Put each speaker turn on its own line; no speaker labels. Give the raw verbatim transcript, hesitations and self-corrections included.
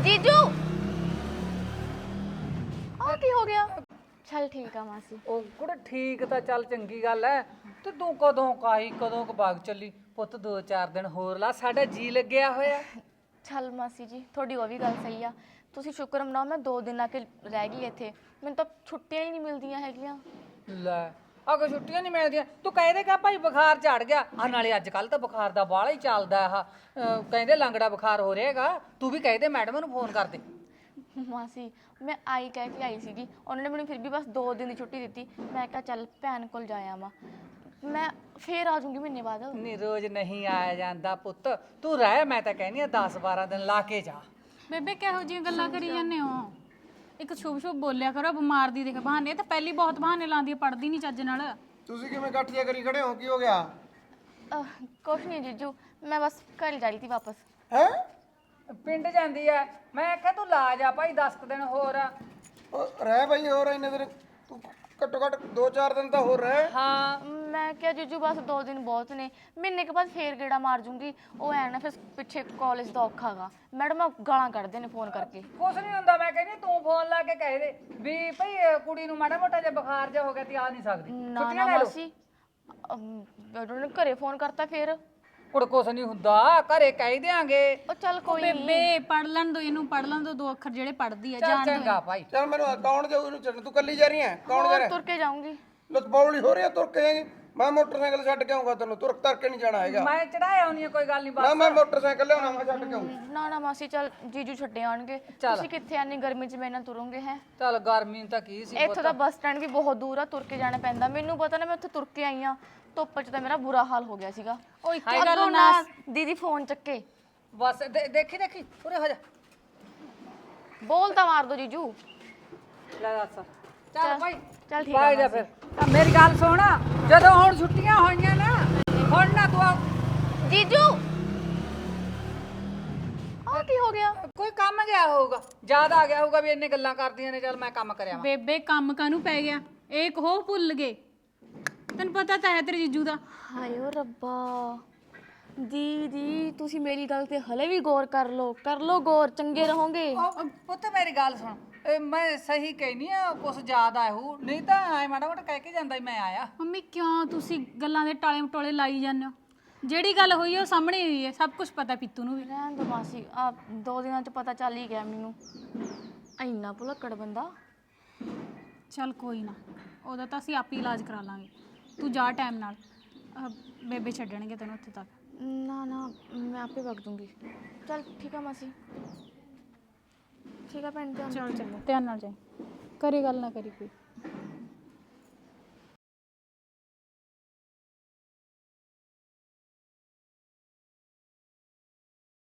ਜੀਜੂ ਆ ਕੀ ਹੋ ਗਿਆ? ਚੱਲ ਠੀਕ ਆ ਮਾਸੀ।
ਉਹ ਕੁੜੇ ਠੀਕ ਤਾਂ ਚੱਲ ਚੰਗੀ ਗੱਲ ਐ ਤੇ ਤੂੰ ਕਦੋਂ ਕਾਈ ਕਦੋਂ ਕ ਬਾਗ ਚੱਲੀ ਪੁੱਤ ਦੋ ਚਾਰ ਦਿਨ ਹੋਰ ਲਾ ਸਾਡਾ ਜੀ ਲੱਗਿਆ ਹੋਇਆ।
ਚੱਲ ਮਾਸੀ ਜੀ ਤੁਹਾਡੀ ਉਹ ਵੀ ਗੱਲ ਸਹੀ ਆ। ਤੁਸੀਂ ਸ਼ੁਕਰ ਮਨਾਓ ਮੈਂ ਦੋ ਦਿਨ ਆ ਕੇ ਰਹਿ ਗਈ ਇੱਥੇ। ਮੈਨੂੰ ਤਾਂ ਛੁੱਟੀਆਂ ਹੀ ਨਹੀਂ ਮਿਲਦੀਆਂ ਹੈਗੀਆਂ।
ਲੈ ਅਗਰ ਛੁੱਟੀਆਂ ਨਹੀਂ ਮਿਲਦੀਆਂ ਤੂੰ ਕਹਿ ਕਾ ਭਾਈ ਬੁਖਾਰ ਝੜ ਗਿਆ ਆ ਨਾਲੇ ਅੱਜ ਕੱਲ ਤਾਂ ਬੁਖਾਰ ਦਾ ਬਾਹਲਾ ਹੀ ਚੱਲਦਾ ਆ ਕਹਿੰਦੇ ਲੰਗੜਾ ਬੁਖਾਰ ਹੋ ਰਿਹਾਗਾ ਤੂੰ ਵੀ ਕਹਿ ਦੇ ਮੈਡਮ ਨੂੰ ਫੋਨ ਕਰ ਦੇ।
ਮਾਸੀ ਮੈਂ ਆਈ ਕਹਿ ਕੇ ਆਈ ਸੀਗੀ ਉਹਨਾਂ ਨੇ ਮੈਨੂੰ ਫਿਰ ਵੀ ਬਸ ਦੋ ਦਿਨ ਦੀ ਛੁੱਟੀ ਦਿੱਤੀ। ਮੈਂ ਕਿਹਾ ਚੱਲ ਭੈਣ ਕੋਲ ਜਾ ਆਵਾਂ ਮੈਂ ਫੇਰ ਆ ਜਾਊਂਗੀ ਮਹੀਨੇ ਬਾਅਦ।
ਨਹੀਂ ਰੋਜ਼ ਨਹੀਂ ਆਇਆ ਜਾਂਦਾ ਪੁੱਤ ਤੂੰ ਰਹਿ ਮੈਂ ਤਾਂ ਕਹਿੰਦੀ ਆ ਦਸ ਬਾਰਾਂ ਦਿਨ ਲਾ ਕੇ ਜਾ।
ਬੇਬੇ ਕਿਹੋ ਜਿਹੀਆਂ ਗੱਲਾਂ ਕਰੀ ਜਾਂਦੇ ਹੋ? ਇੱਕ ਸ਼ੁਭ ਸ਼ੁਭ ਬੋਲਿਆ ਕਰੋ ਬਿਮਾਰ ਦੀ ਦੇਖ ਬਹਾਨੇ ਤਾਂ ਪਹਿਲੀ ਬਹੁਤ ਬਹਾਨੇ ਲਾਉਂਦੀ ਪੜਦੀ ਨਹੀਂ ਚੱਜ ਨਾਲ।
ਤੁਸੀਂ ਕਿਵੇਂ ਇਕੱਠੀਆਂ ਕਰੀ ਖੜੇ ਹੋ ਕੀ ਹੋ ਗਿਆ?
ਕੁਛ ਨਹੀਂ ਜੀਜੂ ਮੈਂ ਬਸ ਘਰ ਜਾ ਰਹੀ ਸੀ ਵਾਪਸ।
ਹੈ
ਪਿੰਡ ਜਾਂਦੀ ਐ ਮੈਂ ਆਖਿਆ ਤੂੰ ਲਾ ਜਾ ਭਾਈ ਦਸ ਕੁ ਦਿਨ ਹੋਰ।
ਰਹਿ ਬਈ ਹੋਰ ਇੰਨੇ ਦਿਨ ਤੂੰ ਘੱਟੋ ਘੱਟ ਦੋ ਚਾਰ ਦਿਨ ਤਾਂ ਹੋਰ ਰਹਿ।
ਹਾਂ
ਮੈਂ ਕਿਹਾ ਜੀਜੂ ਬਸ ਦੋ ਦਿਨ ਬਹੁਤ ਨੇ ਮਹੀਨੇ ਕੇ ਬਾਅਦ ਫੇਰ ਗੇੜਾ ਮਾਰ ਜੂੰਗੀ। ਉਹ ਐ ਨਾ ਫਿਰ ਪਿੱਛੇ ਕਾਲਜ ਦਾ ਔਖਾ ਗਾ ਮੈਡਮ ਗਾਲਾਂ ਕੱਢਦੇ ਨੇ ਫੋਨ ਕਰਕੇ।
ਕੁਛ ਨਹੀਂ ਹੁੰਦਾ ਮੈਂ ਕਹਿੰਦੀ ਤੂੰ ਫੋਨ ਲਾ ਕੇ ਕਹਿ ਦੇ ਵੀ ਭਈ ਕੁੜੀ ਨੂੰ ਮਾੜਾ ਮੋਟਾ ਜਿਹਾ ਬੁਖਾਰ ਜਿਹਾ ਹੋ ਗਿਆ ਤੇ ਆ ਨਹੀਂ ਸਕਦੀ
ਨਾ ਨਾ ਮਾਸੀ ਉਹਨਾਂ ਨੇ ਘਰੇ ਫੋਨ ਕਰਤਾ ਫੇਰ।
ਕੁੜ ਕੁਛ ਨਹੀਂ ਹੁੰਦਾ ਘਰੇ ਕਹਿ ਦਿਆਂਗੇ।
ਉਹ ਚੱਲ ਕੋਈ ਨਹੀਂ
ਬੇਬੇ ਪੜ ਲੈਣ ਦੋ ਇਹਨੂੰ ਪੜ ਲੈਣ ਦੋ ਦੋ ਅੱਖਰ ਜਿਹੜੇ ਪੜਦੀ ਆ
ਚੱਲ
ਜਾਣ
ਚੰਗਾ ਭਾਈ।
ਚੱਲ ਮੈਨੂੰ ਕੌਣ ਜਾਊ ਇਹਨੂੰ ਛੱਡ ਤੂੰ ਕੱਲੀ ਜਾ ਰਹੀ ਹੈ ਕੌਣ ਜਾ ਰਿਹਾ?
ਤੁਰ ਕੇ ਜਾਊਂਗੀ।
ਲਤਬੌਲੀ ਹੋ ਰਹੀ ਹੈ ਤੁਰ ਕੇ ਜਾਏਗੀ? ਮੈਂ ਮੋਟਰਸਾਈਕਲ ਛੱਡ ਕੇ ਆਉਂਗਾ ਤੈਨੂੰ ਤੁਰ ਤਰ ਕੇ ਨਹੀਂ ਜਾਣਾ ਹੈਗਾ।
ਮੈਂ ਚੜਾਇਆ ਆਉਣੀ ਕੋਈ ਗੱਲ ਨਹੀਂ
ਨਾ
ਬਸ।
ਮੈਂ ਮੋਟਰਸਾਈਕਲ ਲਿਆਉਣਾ ਮੈਂ ਛੱਡ ਕੇ ਆਉਂ।
ਨਾ ਨਾ ਮਾਸੀ ਚੱਲ ਜੀਜੂ ਛੱਡੇ ਆਣਗੇ। ਤੁਸੀਂ ਕਿੱਥੇ ਆਨੀ ਗਰਮੀ 'ਚ ਮੇਰੇ ਨਾਲ ਤੁਰੋਗੇ ਹੈ?
ਚੱਲ ਗਰਮੀ ਤਾਂ ਕੀ ਸੀ
ਇੱਥੋਂ ਦਾ ਬੱਸ ਸਟੈਂਡ ਵੀ ਬਹੁਤ ਦੂਰ ਆ ਤੁਰ ਕੇ ਜਾਣਾ ਪੈਂਦਾ। ਮੈਨੂੰ ਪਤਾ ਨਾ ਮੈਂ ਉੱਥੇ ਤੁਰ ਕੇ ਆਈ ਆ ਧੁੱਪ 'ਚ ਤਾਂ ਮੇਰਾ ਬੁਰਾ ਹਾਲ ਹੋ ਗਿਆ ਸੀਗਾ।
ਉਹ ਇੱਕ
ਅੱਗੋਂ ਨਾ ਦੀਦੀ ਫੋਨ ਚੱਕੇ
ਬਸ ਦੇ- ਦੇਖੀ ਦੇਖੀ ਉਰੇ ਹੋ ਜਾ
ਬੋਲ ਤਾਂ ਮਾਰ ਦੋ ਜੀਜੂ।
ਲੈ ਦੱਸ ਚੱਲ ਭਾਈ
ਚੱਲ ਠੀਕ
ਭਾਈ
ਆ
ਜਾ ਫਿਰ ਤਾਂ ਮੇਰੀ ਗੱਲ ਸੁਣ ਜਦੋਂ ਹੁਣ ਛੁੱਟੀਆਂ ਹੋਈਆਂ ਨਾ ਹੁਣ ਨਾ ਤੂੰ
ਜੀਜੂ ਆ ਕੀ ਹੋ ਗਿਆ?
ਕੋਈ ਕੰਮ ਗਿਆ ਹੋਊਗਾ ਯਾਦ ਆ ਗਿਆ ਹੋਊਗਾ ਵੀ ਇੰਨੇ ਗੱਲਾਂ ਕਰਦੀਆਂ ਨੇ ਚੱਲ ਮੈਂ ਕੰਮ ਕਰਿਆ ਵਾ।
ਬੇਬੇ ਕੰਮ ਕਾਨੂੰ ਪੈ ਗਿਆ ਇਹ ਕਹੋ ਭੁੱਲ ਗਏ ਤੈਨੂੰ ਪਤਾ ਤਾਂ ਹੈ ਤੇਰੇ ਜੀਜੂ ਦਾ।
ਹਾਏ ਓ ਰੱਬਾ ਦੀਦੀ ਤੁਸੀਂ ਮੇਰੀ ਗੱਲ ਤੇ ਹਲੇ ਵੀ ਗੌਰ ਕਰ ਲਓ ਕਰ ਲਓ ਗੌਰ ਚੰਗੇ ਰਹੋਗੇ।
ਉਹ ਪੁੱਤ ਮੇਰੀ ਗੱਲ ਸੁਣ ਇਹ ਮੈਂ ਸਹੀ ਕਹਿਨੀ ਆ ਕੁਛ ਯਾਦ ਆਇਆ ਹੋ ਨਹੀਂ ਤਾਂ ਐ ਮਾੜਾ ਮੋਟਾ ਕਹਿ ਕੇ ਜਾਂਦਾ ਮੈਂ ਆਇਆ।
ਮੰਮੀ ਕਿਉਂ ਤੁਸੀਂ ਗੱਲਾਂ ਦੇ ਟਾਲੇ ਮਟੋਲੇ ਲਾਈ ਜਾਂਦੇ ਹੋ? ਜਿਹੜੀ ਗੱਲ ਹੋਈ ਹੈ ਉਹ ਸਾਹਮਣੇ ਹੋਈ ਹੈ ਸਭ ਕੁਝ ਪਤਾ ਪੀਤੂ ਨੂੰ ਵੀ।
ਰਹਿਣ ਦੋ ਮਾਸੀ ਆ ਦੋ ਦਿਨਾਂ ਚ ਪਤਾ ਚੱਲ ਹੀ ਗਿਆ ਮੈਨੂੰ। ਇੰਨਾ ਭੁਲੱਕੜ ਬੰਦਾ।
ਚੱਲ ਕੋਈ ਨਾ ਉਹਦਾ ਤਾਂ ਅਸੀਂ ਆਪ ਹੀ ਇਲਾਜ ਕਰਾ ਲਾਂਗੇ ਤੂੰ ਜਾ ਟਾਈਮ ਨਾਲ ਅਹ ਬੇਬੇ ਛੱਡਣਗੇ ਤੈਨੂੰ ਉੱਥੇ ਤੱਕ।
ਨਾ ਨਾ ਮੈਂ ਆਪੇ ਵਗ ਦੂੰਗੀ। ਚੱਲ ਠੀਕ ਆ ਮਾਸੀ ਠੀਕ ਆ ਭੈਣ ਧਿਆਨ
ਚਲ ਚੱਲ ਧਿਆਨ ਨਾਲ ਜਾਈ ਕਰੀ ਗੱਲ ਨਾ ਕਰੀ ਕੋਈ।